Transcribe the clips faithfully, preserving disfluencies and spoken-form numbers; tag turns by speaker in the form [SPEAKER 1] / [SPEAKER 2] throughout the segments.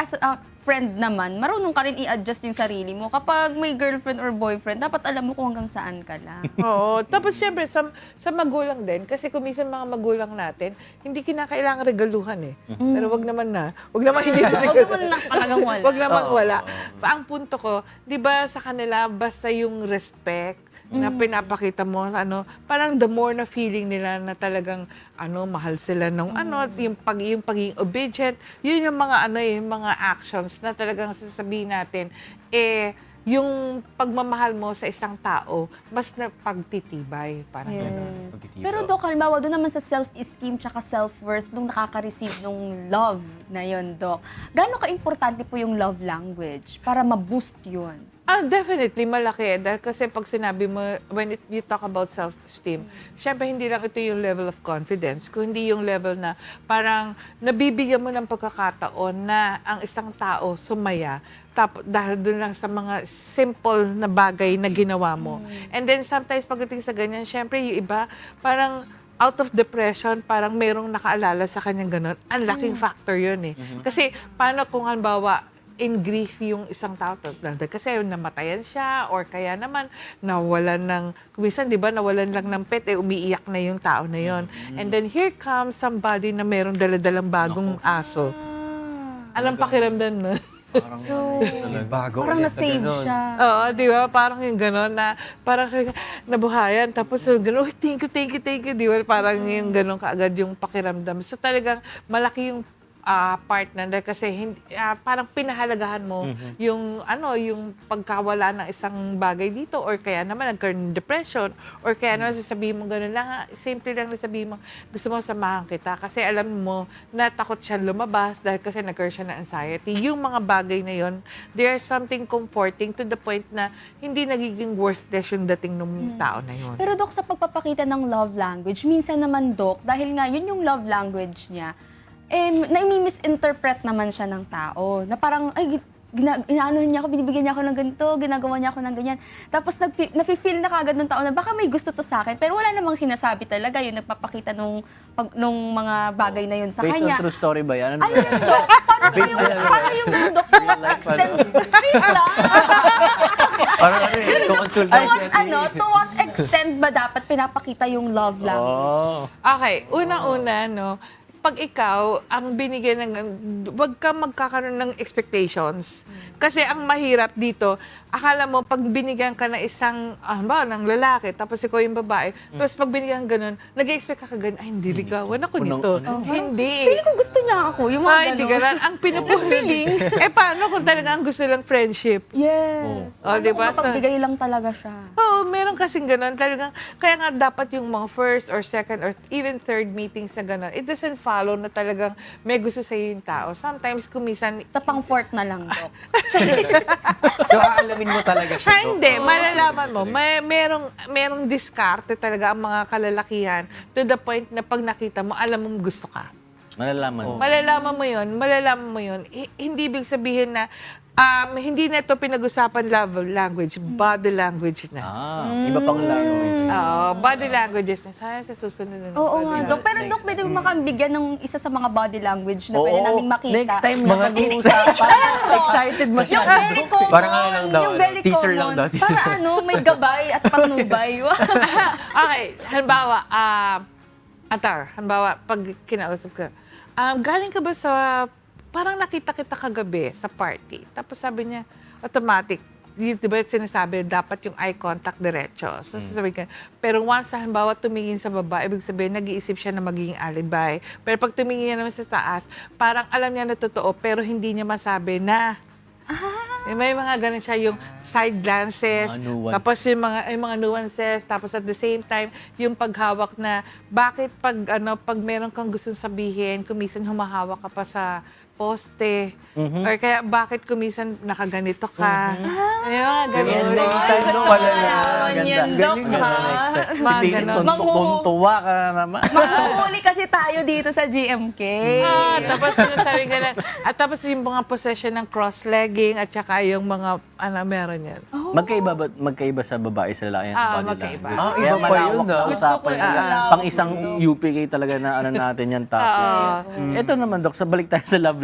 [SPEAKER 1] as a friend naman, marunong ka rin i-adjust yung sarili mo. Kapag may girlfriend or boyfriend, dapat alam mo kung hanggang saan ka lang.
[SPEAKER 2] Oo. Tapos syempre, sa, sa magulang din, kasi kung minsan mga magulang natin, hindi kinakailangan regaluhan eh. Pero wag naman na. Wag naman hindi
[SPEAKER 1] Huwag naman na talagang wala.
[SPEAKER 2] Wag naman wala. Pa, ang punto ko, di ba sa kanila, basta yung respect, na pinapakita mo, ano, parang the more na feeling nila na talagang ano, mahal sila nung ano, yung pag yung pagiging obedient, yun yung mga ano, eh, yung mga actions na talagang sasabihin natin, eh, yung pagmamahal mo sa isang tao, mas na pagtitibay, parang
[SPEAKER 1] Yes.
[SPEAKER 2] gano'n.
[SPEAKER 1] Pero Dok, halimbawa doon naman sa self-esteem tsaka self-worth nung nakaka-receive nung love na yon, Dok. Gaano ka-importante po yung love language para ma-boost yun?
[SPEAKER 2] Ah, definitely, malaki. Dahil kasi pag sinabi mo, when it, you talk about self-esteem, syempre hindi lang ito yung level of confidence, kundi yung level na parang nabibigyan mo ng pagkakataon na ang isang tao sumaya tap, dahil dun lang sa mga simple na bagay na ginawa mo. And then sometimes pagdating sa ganyan, syempre yung iba, parang out of depression, parang merong nakaalala sa kanyang ganun. Ang laking factor yun eh. Kasi paano kung halimbawa, in grief yung isang tao. Kasi namatayan siya or kaya naman nawalan ng, kumisan di ba, nawalan lang ng pet, eh, umiiyak na yung tao na yon. And then here comes somebody na merong daladalang bagong aso. Anong pakiramdam na?
[SPEAKER 3] Parang,
[SPEAKER 4] Bago
[SPEAKER 1] Parang
[SPEAKER 4] ulit
[SPEAKER 1] na-save
[SPEAKER 4] ganun.
[SPEAKER 1] siya.
[SPEAKER 2] Oo, di ba? Parang yung gano'n na, parang nabuhayan, tapos yung gano'n, oh, thank you, thank you, thank you, di ba? Parang yung gano'n kaagad yung pakiramdam. So talagang malaki yung uh, partner dahil kasi hindi, uh, parang pinahalagahan mo mm-hmm. yung ano yung pagkawala ng isang bagay dito or kaya naman nagkaroon ng depression or kaya naman sasabihin mo gano'n lang, simple lang na sabihin mo gusto mo samahan kita kasi alam mo na takot siya lumabas dahil kasi nagkaroon siya ng anxiety. Yung mga bagay na yon, there's something comforting to the point na hindi nagiging worthless yung dating ng tao na yon.
[SPEAKER 1] Pero Dok, sa pagpapakita ng love language, minsan naman Dok, dahil nga yun yung love language niya, eh, na-misinterpret naman siya ng tao. Na parang, ay, gina, inaano niya ako, binibigyan niya ako ng ganito, ginagawa niya ako ng ganyan. Tapos nafe-feel na kagad ng tao na baka may gusto to sa akin, pero wala namang sinasabi talaga yun, nagpapakita nung, pag, nung mga bagay na yun sa
[SPEAKER 3] Based
[SPEAKER 1] kanya.
[SPEAKER 3] on true story ba yan? Ano
[SPEAKER 1] Ano yun, Dok? Paano ba yung, paano yung Dok? To what extent? Wait lang!
[SPEAKER 4] Parang ano eh,
[SPEAKER 1] To
[SPEAKER 4] consultation.
[SPEAKER 1] what, ano, to what extent ba dapat pinapakita yung love language?
[SPEAKER 3] Oh.
[SPEAKER 2] Okay, una-una, no, pag ikaw ang binigyan ng, wag ka magkakaroon ng expectations. Kasi ang mahirap dito, akala mo pag binigyan ka ng isang, ah, ba, ng lalaki, tapos ikaw yung babae, tapos pag binigyan ka ganun, nag-expect ka kagad, ay, hindi ligawan ako
[SPEAKER 3] Unang-
[SPEAKER 2] nito.
[SPEAKER 3] ano?
[SPEAKER 2] Hindi.
[SPEAKER 1] Feeling ko gusto niya ako, yung mga
[SPEAKER 2] Ay, hindi
[SPEAKER 1] ganun.
[SPEAKER 2] ganun. Ang pinupunin. eh, paano kung talaga ang gusto lang friendship?
[SPEAKER 1] Yes.
[SPEAKER 2] Oh,
[SPEAKER 1] Ano
[SPEAKER 2] diba?
[SPEAKER 1] kung mapagbigay lang talaga siya.
[SPEAKER 2] Oo, meron kasing ganun. Talagang, kaya nga dapat yung mga first or second or even third meetings na ganun, it doesn't follow na talagang may gusto sa'yo yung tao. Sometimes, kumisan,
[SPEAKER 1] Sa pang-fourth na lang, Dok.
[SPEAKER 4] So, aalamin mo talaga siya.
[SPEAKER 2] ha,
[SPEAKER 4] Dok.
[SPEAKER 2] hindi, malalaman mo. May, merong, merong diskarte talaga ang mga kalalakihan to the point na pag nakita mo, alam mo gusto ka.
[SPEAKER 3] Malalaman.
[SPEAKER 4] Oh.
[SPEAKER 2] Malalaman mo yun, malalaman mo yun. H- hindi ibig sabihin na um, hindi na ito pinag-usapan love language, body language na.
[SPEAKER 3] Ah, iba pang language.
[SPEAKER 2] Oo, body languages na. Sana sa susunod na ng
[SPEAKER 1] Oo
[SPEAKER 2] body
[SPEAKER 1] nga,
[SPEAKER 2] language.
[SPEAKER 1] Dok. Pero Dok, pwede mo makabigyan ng isa sa mga body language na
[SPEAKER 3] Oo,
[SPEAKER 1] pwede naming makita.
[SPEAKER 3] next time na pag-uusapan. Excited
[SPEAKER 1] Yung
[SPEAKER 3] masyado.
[SPEAKER 1] very common.
[SPEAKER 4] Parang ano lang daw,
[SPEAKER 1] yung
[SPEAKER 4] ano,
[SPEAKER 1] very
[SPEAKER 4] teaser
[SPEAKER 1] common.
[SPEAKER 4] lang daw.
[SPEAKER 1] Para ano, may gabay at panubay.
[SPEAKER 2] Okay, halimbawa, ah, Atar, halimbawa, pag kinausap ka, um, galing ka ba sa, parang nakita kita kagabi sa party, tapos sabi niya, automatic, di, di ba sinasabi, dapat yung eye contact diretso. So, sasabihin ka, pero once, halimbawa, tumingin sa baba, ibig sabihin, nag-iisip siya na magiging alibay. Pero pag tumingin niya naman sa taas, parang alam niya na totoo, pero hindi niya masabi na, eh, may mga ganun siya, yung side glances,
[SPEAKER 3] Mga nuance.
[SPEAKER 2] tapos yung mga, yung mga nuances, tapos at the same time, yung paghawak na, bakit pag, ano, pag meron kang gustong sabihin, kumisan humahawak ka pa sa poste, or kaya bakit kumisan nakaganito ka. Ay, mga ganun.
[SPEAKER 3] Yan,
[SPEAKER 2] Ay,
[SPEAKER 3] next time
[SPEAKER 2] ganun.
[SPEAKER 3] pala na.
[SPEAKER 1] Malaman
[SPEAKER 3] Ganda.
[SPEAKER 1] yan, Dok,
[SPEAKER 3] Galing na
[SPEAKER 1] ha?
[SPEAKER 3] next time.
[SPEAKER 2] Mga
[SPEAKER 3] Hindi,
[SPEAKER 2] ganun.
[SPEAKER 3] tuntu- tuntuwa ka na naman.
[SPEAKER 1] Mahuhuli kasi tayo dito sa G M K.
[SPEAKER 2] Ah, tapos sinasabi ka lang, at tapos yung mga possession ng cross-legging at saka yung mga, ano, meron yan.
[SPEAKER 3] Magkaiba ba, magkaiba sa babae sa lalaki ang
[SPEAKER 2] Ah,
[SPEAKER 3] body
[SPEAKER 2] magkaiba.
[SPEAKER 3] language?
[SPEAKER 4] Ah,
[SPEAKER 3] Kaya
[SPEAKER 4] iba pa
[SPEAKER 3] malawak
[SPEAKER 4] yun,
[SPEAKER 3] na
[SPEAKER 4] ah.
[SPEAKER 3] usapan
[SPEAKER 1] Gusto ko
[SPEAKER 3] yan.
[SPEAKER 1] yun.
[SPEAKER 3] Pang isang U P K talaga na ano natin yan topic. Ito naman, Dok, sa balik tayo sa love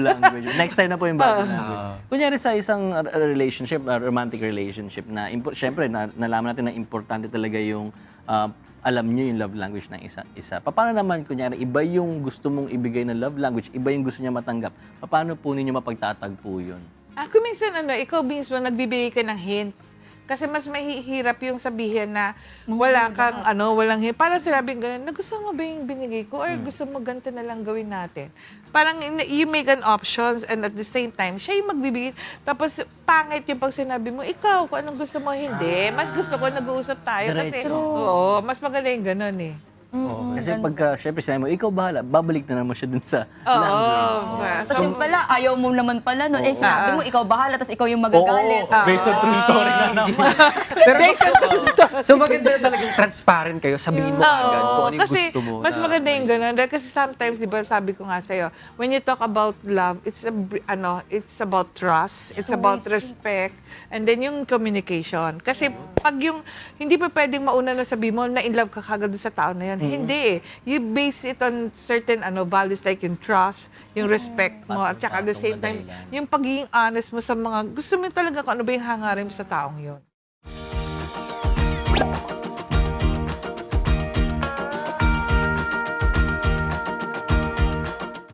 [SPEAKER 3] language. Next time na po yung body language. Kunyari sa isang uh, relationship, uh, romantic relationship, na impo- syempre, na, nalaman natin na importante talaga yung uh, alam niyo yung love language ng isa. isa. Paano naman, kunyari, iba yung gusto mong ibigay na love language, iba yung gusto niya matanggap. Paano po ninyo mapagtatagpo yun?
[SPEAKER 2] Ah, kung minsan ano, ikaw mismo nagbibigay ka ng hint. Kasi mas mahihirap yung sabihin na wala kang ano, walang hint. Parang sinabing gano'n, nagusto mo ba yung binigay ko? Or gusto mo ganito na lang gawin natin? Parang in- you make an options and at the same time, siya yung magbibigay. Tapos pangit yung pag sinabi mo, ikaw, kung anong gusto mo, hindi. Mas gusto ko nag-uusap tayo. Kasi,
[SPEAKER 3] Diretso.
[SPEAKER 2] oo, mas maganda yung gano'n eh.
[SPEAKER 3] Kasi pagka, syempre, sinabi mo, ikaw bahala, babalik na naman siya dun sa
[SPEAKER 2] Oo.
[SPEAKER 3] language.
[SPEAKER 2] sa-
[SPEAKER 1] Kasi
[SPEAKER 2] sa-
[SPEAKER 1] pala, ayaw mo naman pala, no? Eh, sabi mo, ikaw bahala, tapos ikaw yung
[SPEAKER 3] Oo,
[SPEAKER 1] magagalit.
[SPEAKER 3] based on true story na naman.
[SPEAKER 4] Pero so maganda talagang transparent kayo. Sabihin mo agad kung ano yung
[SPEAKER 2] kasi
[SPEAKER 4] gusto mo.
[SPEAKER 2] mas
[SPEAKER 4] na-
[SPEAKER 2] maganda yung ganun. Dahil kasi sometimes, di ba, sabi ko nga sa'yo, when you talk about love, it's a, br- ano, it's about trust, it's about respect, and then yung communication. Kasi pag yung, hindi pa pwedeng mauna na sabi mo na in love ka kagad sa tao na yan. Hindi eh. You base it on certain ano values like yung trust, yung respect mo, at saka at the same time, yung pagiging honest mo sa mga, gusto mo talaga kung ano ba yung hangarin mo sa taong yun.